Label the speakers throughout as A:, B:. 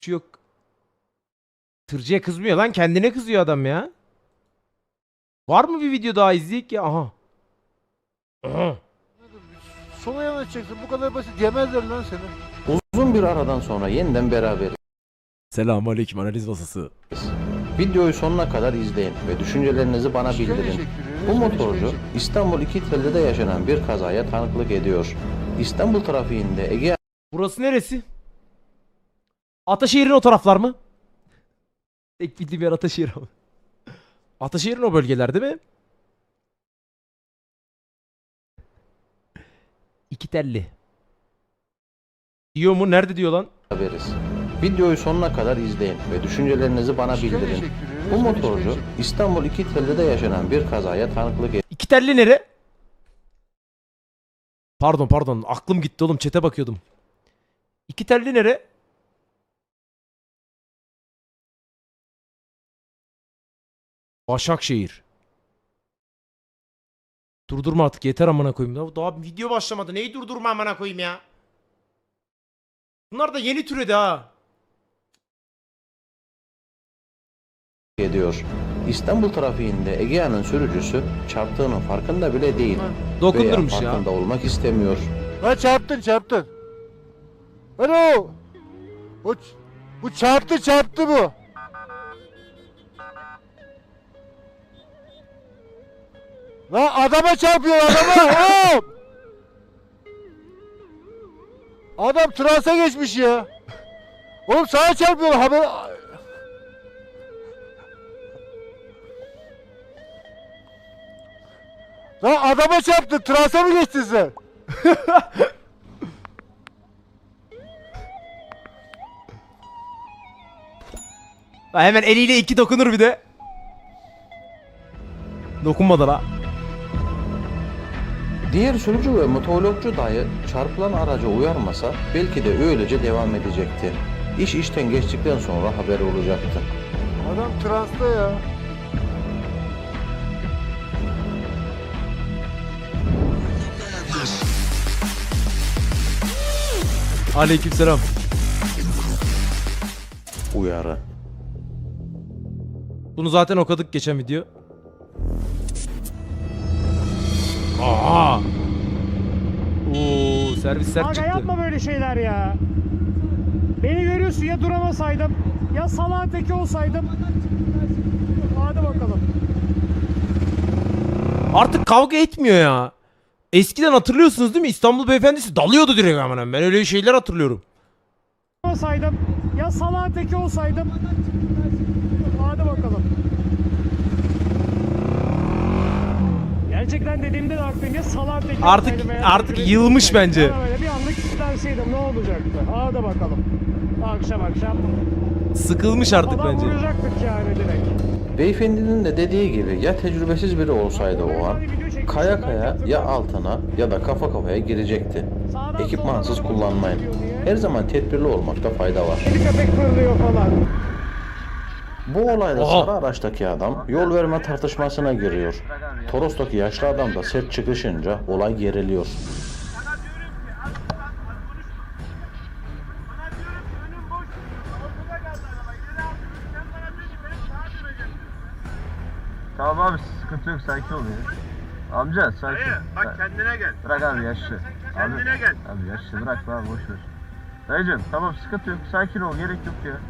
A: Yok. Tırcıya kızmıyor lan, kendine kızıyor adam ya. Var mı bir video daha izleyek ya? Aha. Aha.
B: Sola yanaşacaksın, bu kadar basit yemezler lan seni.
C: Uzun bir aradan sonra yeniden beraberiz.
A: Selamünaleyküm analiz masası.
C: Videoyu sonuna kadar izleyin ve düşüncelerinizi bana bildirin. Bu motorcu İstanbul İkitelli'de yaşanan bir kazaya tanıklık ediyor. İstanbul trafiğinde Ege
A: Burası neresi? Ataşehir'in o taraflar mı? Tek bildiğim yer Ataşehir abi. Ataşehir'in o bölgeler değil mi? İki telli. Diyor mu? Nerede diyor lan?
C: beraberiz. Videoyu sonuna kadar izleyin ve düşüncelerinizi bana bildirin. Bu motorcu İstanbul İkitelli'de yaşanan bir kazaya tanıklık ediyor.
A: İki telli nere? Pardon aklım gitti oğlum, chat'e bakıyordum. İki telli nere? Başakşehir. Durdurma artık yeter amına koyayım. Daha video başlamadı. Neyi durdurma amına koyayım ya? Bunlar da yeni türedi ha.
C: İstanbul trafiğinde Egea'nın sürücüsü çarptığının farkında bile değil.
A: Dokundurmuş
C: veya
A: ya.
C: farkında olmak istemiyor.
B: Lan çarptın. Alo. Bu çarptı bu. Lan adama çarpıyor adama. Hop. Adam transa geçmiş ya. Oğlum sağa çarpıyor haber. Lan adama çarptı, transa mı geçtin sen?
A: Ha, hemen eliyle iki dokunur bir de. Dokunmadı la.
C: Diğer sürücü ve motovlogcu dayı çarpılan araca uyarmasa belki de öylece devam edecekti. İş işten geçtikten sonra haber olacaktı.
B: Adam transta ya.
A: Aleykümselam.
C: Uyarı.
A: Bunu zaten okuduk geçen video. Aa! Oo, servis sert
D: Aga
A: çıktı.
D: yapma böyle şeyler ya. Beni görüyorsun, ya duramasaydım ya salağın teki olsaydım. Hadi bakalım.
A: Artık kavga etmiyor ya. Eskiden hatırlıyorsunuz değil mi? İstanbul beyefendisi dalıyordu direkt hemen. Ben öyle şeyler hatırlıyorum.
D: Olsaydım ya salağın teki olsaydım. Hadi bakalım. Gerçekten dediğimde de haklıyım, ya salağın teki
A: Artık-
D: olsaydım veya
A: artık
D: böyle
A: yılmış
D: olsaydım.
A: bence.
D: Ya böyle bir anlık isterseydim ne olacaktı? Hadi bakalım. Akşam.
A: Sıkılmış artık
D: Adam
A: bence.
D: vuracaktık yani direkt.
C: Beyefendinin de dediği gibi ya tecrübesiz biri olsaydı o an kaya kaya ya altına ya da kafa kafaya girecekti. Ekipmansız kullanmayın. Her zaman tedbirli olmakta fayda var.
D: Kedi köpek fırlıyor falan.
C: Bu olayda
A: Aha.
C: sarı araçtaki adam yol verme tartışmasına giriyor. Toros'taki yaşlı adam da sert çıkışınca olay geriliyor.
E: Tamam abi sıkıntı yok, sakin ol ya. Amca sakin.
F: Dayı bak kendine gel.
E: Bırak abi yaşlı.
F: Kendine gel.
E: Abi yaşlı bırak abi boş ver. Dayıcım tamam sıkıntı yok, sakin ol, gerek yok ya.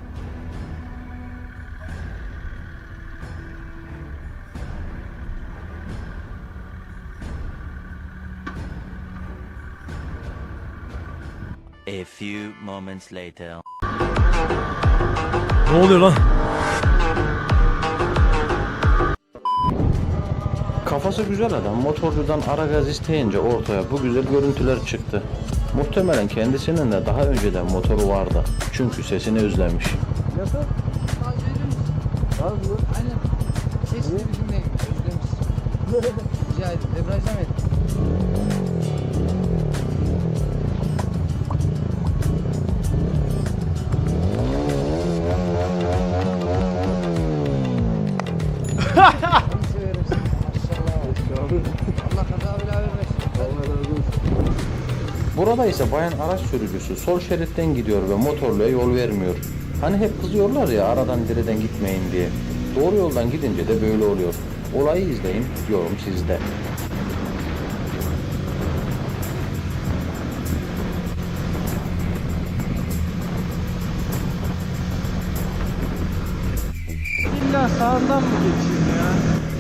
G: A few moments later.
A: Ne oluyor lan?
C: Kafası güzel adam motorcudan ara gaz isteyince ortaya bu güzel görüntüler çıktı. Muhtemelen kendisinin de daha önceden motoru vardı. Çünkü sesini özlemiş.
B: Nasıl? Abi
H: Aynen. Sesini bir dinleyin. Özlemiş. Rica ederim. Debrajdan et. Seni severim seni. Maşallah. Allah kaza bela vermesin.
C: Burada ise bayan araç sürücüsü sol şeritten gidiyor ve motorluya yol vermiyor. Hani hep kızıyorlar ya aradan dereden gitmeyin diye. Doğru yoldan gidince de böyle oluyor. Olayı izleyin, yorum sizde.
B: İlla sağından mı geçeyim ya?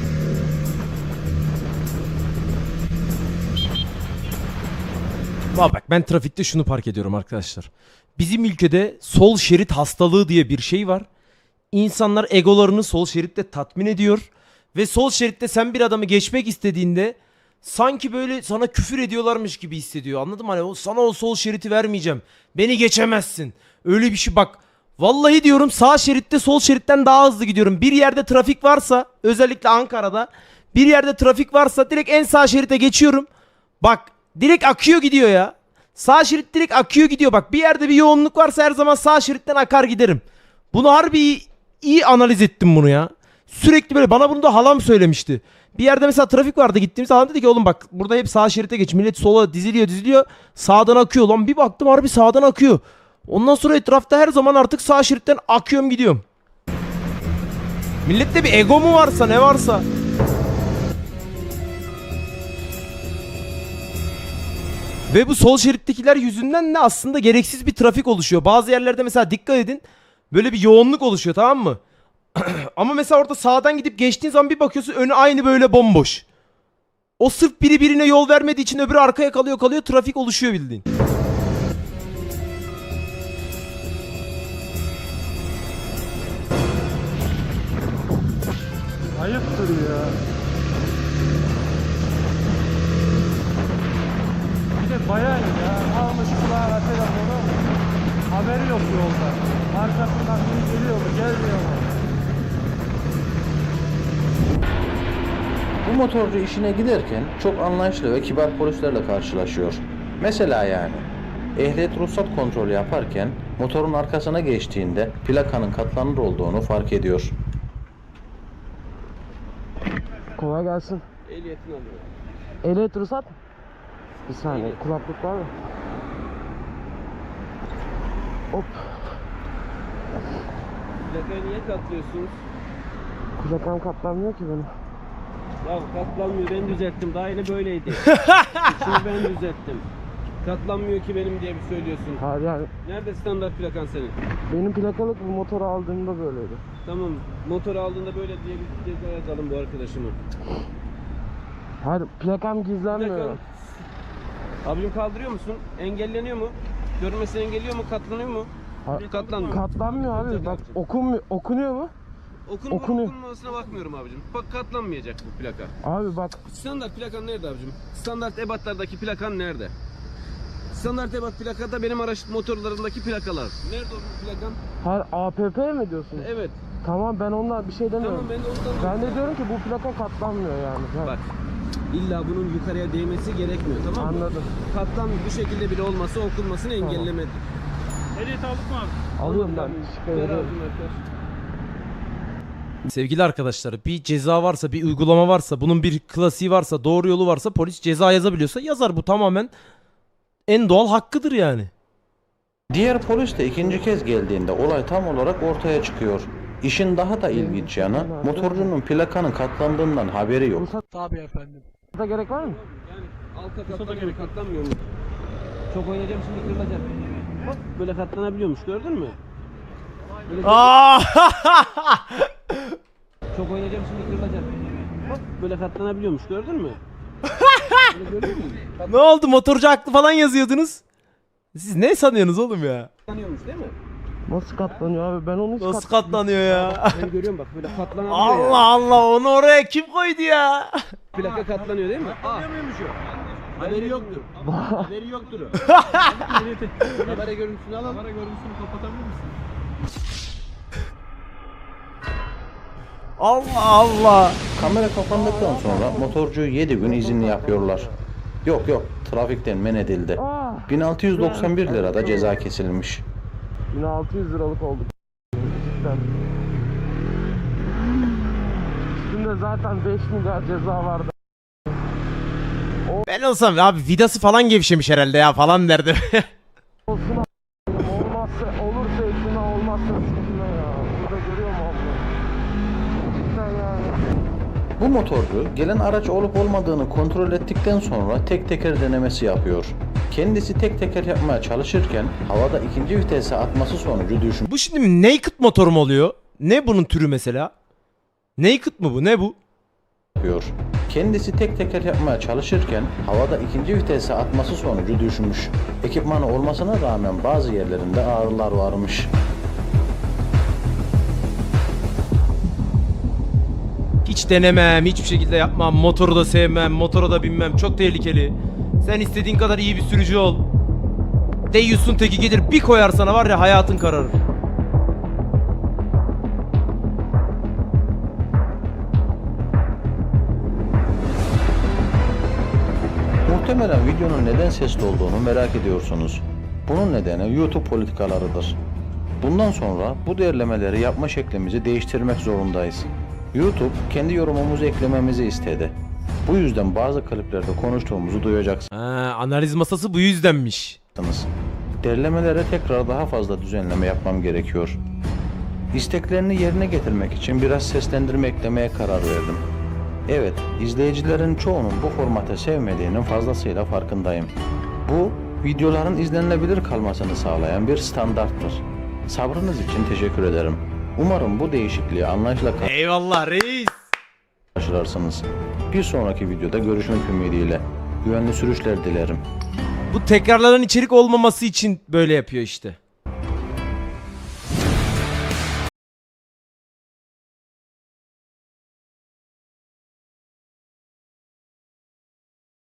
A: Bak ben trafikte şunu fark ediyorum arkadaşlar. Bizim ülkede sol şerit hastalığı diye bir şey var. İnsanlar egolarını sol şeritte tatmin ediyor. Ve sol şeritte sen bir adamı geçmek istediğinde sanki böyle sana küfür ediyorlarmış gibi hissediyor. Anladın mı? Hani sana o sol şeriti vermeyeceğim. Beni geçemezsin. Öyle bir şey bak. Vallahi diyorum sağ şeritte sol şeritten daha hızlı gidiyorum. Bir yerde trafik varsa özellikle Ankara'da bir yerde trafik varsa direkt en sağ şerite geçiyorum. Bak direkt akıyor gidiyor ya. Sağ şerit direkt akıyor gidiyor. Bak bir yerde bir yoğunluk varsa her zaman sağ şeritten akar giderim. Bunu harbi iyi analiz ettim bunu ya. Sürekli böyle bana bunu da halam söylemişti. Bir yerde mesela trafik vardı gittiğimizde halam dedi ki oğlum bak burada hep sağ şerite geç. Millet sola diziliyor sağdan akıyor. Lan bir baktım harbi sağdan akıyor. Ondan sonra etrafta her zaman artık sağ şeritten akıyorum gidiyorum. Millette bir ego mu varsa ne varsa. Ve bu sol şerittekiler yüzünden de aslında gereksiz bir trafik oluşuyor. Bazı yerlerde mesela dikkat edin. Böyle bir yoğunluk oluşuyor tamam mı? Ama mesela orada sağdan gidip geçtiğin zaman bir bakıyorsun önü aynı böyle bomboş. O sırf biri birine yol vermediği için öbürü arkaya kalıyor trafik oluşuyor bildiğin.
B: Ayıptır ya. Bir de bayan ya. Almış kulağına telefonu. Haberi yok yolda. Arkasından biri geliyor mu gelmiyor mu?
C: Bu motorcu işine giderken çok anlayışlı ve kibar polislerle karşılaşıyor. Mesela yani ehliyet ruhsat kontrolü yaparken motorun arkasına geçtiğinde plakanın katlanır olduğunu fark ediyor.
I: Kolay gelsin.
E: Ehliyetini alıyorum.
I: Ehliyet ruhsat mı? Bir saniye kulaklık var mı? Hop.
E: Plakayı niye katlıyorsunuz?
I: Kulakam katlanmıyor ki benim.
E: Ya katlanmıyor, ben düzelttim. Daha yeni böyleydi. Şimdi ben düzelttim. Katlanmıyor ki benim diye bir söylüyorsun.
I: Hayır yani
E: Nerede standart plakan senin?
I: benim plakalık bu motoru aldığımda böyleydi.
E: Tamam, motor aldığında böyle diye bir ceza yazalım bu arkadaşıma.
I: Hayır plakam gizlenmiyor.
E: Plakan... Abicim kaldırıyor musun? Engelleniyor mu? Görmesi engelliyor mu? Katlanıyor mu? Katlanmıyor.
I: Katlanmıyor abi. Bak okunuyor mu? Okunuyor.
E: Okunmasına bakmıyorum abicim. Bak katlanmayacak bu plaka.
I: Abi bak
E: Standart plakan nerede abicim? Standart ebatlardaki plakan nerede? Standart ebat plakada benim araç motorlarındaki plakalar. Nerede o plakan?
I: hayır APP mi diyorsun?
E: Evet.
I: Tamam ben ondan bir şey demiyorum.
E: Tamam ben de ondan...
I: Ben de diyorum ki bu plaka katlanmıyor yani. Ha,
E: Bak. İlla bunun yukarıya değmesi gerekmiyor tamam mı?
I: Anladım.
E: Katlan bu şekilde bile olması okunmasını engellemedi.
D: Ehliyet aldık mı abi?
I: Alıyorum ben. Şikayet ediyorum.
A: Sevgili arkadaşlar bir ceza varsa bir uygulama varsa bunun bir klasiği varsa doğru yolu varsa polis ceza yazabiliyorsa yazar bu tamamen en doğal hakkıdır yani.
C: Diğer polis de ikinci kez geldiğinde olay tam olarak ortaya çıkıyor. İşin daha da ilginç yanı motorcunun plakanın katlandığından haberi yok.
I: Ruhsata gerek var mı?
E: Yani alta katlanıyor, katlanmıyor mu? Çok oynayacağım şimdi kırılacak. Bak böyle katlanabiliyormuş gördün mü? Böyle çok oynayacağım şimdi kırılacak. Bak böyle katlanabiliyormuş gördün mü? Böyle gördün mü?
A: Ne oldu motorcu haklı falan yazıyordunuz. Siz ne sanıyorsunuz oğlum ya?
E: Katlanıyormuş değil mi?
I: Nasıl katlanıyor abi? Ben onu hiç
A: Nasıl katlanıyor ya?
E: Ben görüyorum bak böyle katlanabiliyor
A: Allah
E: ya.
A: Allah onu oraya kim koydu ya?
E: Plaka katlanıyor değil mi? Katlanıyor o? Haberi yoktur. Haberi yoktur o. Habere görüntüsünü alalım. Habere görüntüsünü kapatabilir misin?
A: Allah Allah.
C: Kamera kapandıktan sonra motorcuyu 7 gün izinli yapıyorlar. Yok trafikten men edildi. 1691 lirada ceza kesilmiş.
I: 1600 liralık oldu. Cidden. Üstünde zaten 5 milyar ceza vardı.
A: Ben olsam abi vidası falan gevşemiş herhalde ya falan derdim.
I: Olsun a**. Olmazsa olursa eklime olmazsa
C: Bu motorcu gelen araç olup olmadığını kontrol ettikten sonra tek teker denemesi yapıyor. Kendisi tek teker yapmaya çalışırken havada ikinci vitese atması sonucu
A: Bu şimdi naked motor mu oluyor? Ne bunun türü mesela? Naked mı bu? Ne bu?
C: düşüyor. Kendisi tek teker yapmaya çalışırken havada ikinci vitese atması sonucu düşmüş. Ekipmanı olmasına rağmen bazı yerlerinde ağrılar varmış.
A: Hiç denemem, hiçbir şekilde yapmam. Motoru da sevmem, motora da binmem. Çok tehlikeli. Sen istediğin kadar iyi bir sürücü ol. Deyyus'un teki gelir bir koyar sana var ya hayatın kararır.
C: Muhtemelen videonun neden sesli olduğunu merak ediyorsunuz. Bunun nedeni YouTube politikalarıdır. Bundan sonra bu değerlemeleri yapma şeklimizi değiştirmek zorundayız. YouTube kendi yorumumuzu eklememizi istedi. Bu yüzden bazı kliplerde konuştuğumuzu duyacaksınız.
A: Analiz masası bu yüzdenmiş.
C: Derlemelere tekrar daha fazla düzenleme yapmam gerekiyor. İsteklerini yerine getirmek için biraz seslendirme eklemeye karar verdim. Evet, izleyicilerin çoğunun bu formatı sevmediğinin fazlasıyla farkındayım. Bu, videoların izlenilebilir kalmasını sağlayan bir standarttır. Sabrınız için teşekkür ederim. Umarım bu değişikliği anlayışla
A: Eyvallah reis.
C: karşılarsınız. Bir sonraki videoda görüşmek ümidiyle. Güvenli sürüşler dilerim.
A: Bu tekrarlanan içerik olmaması için böyle yapıyor işte.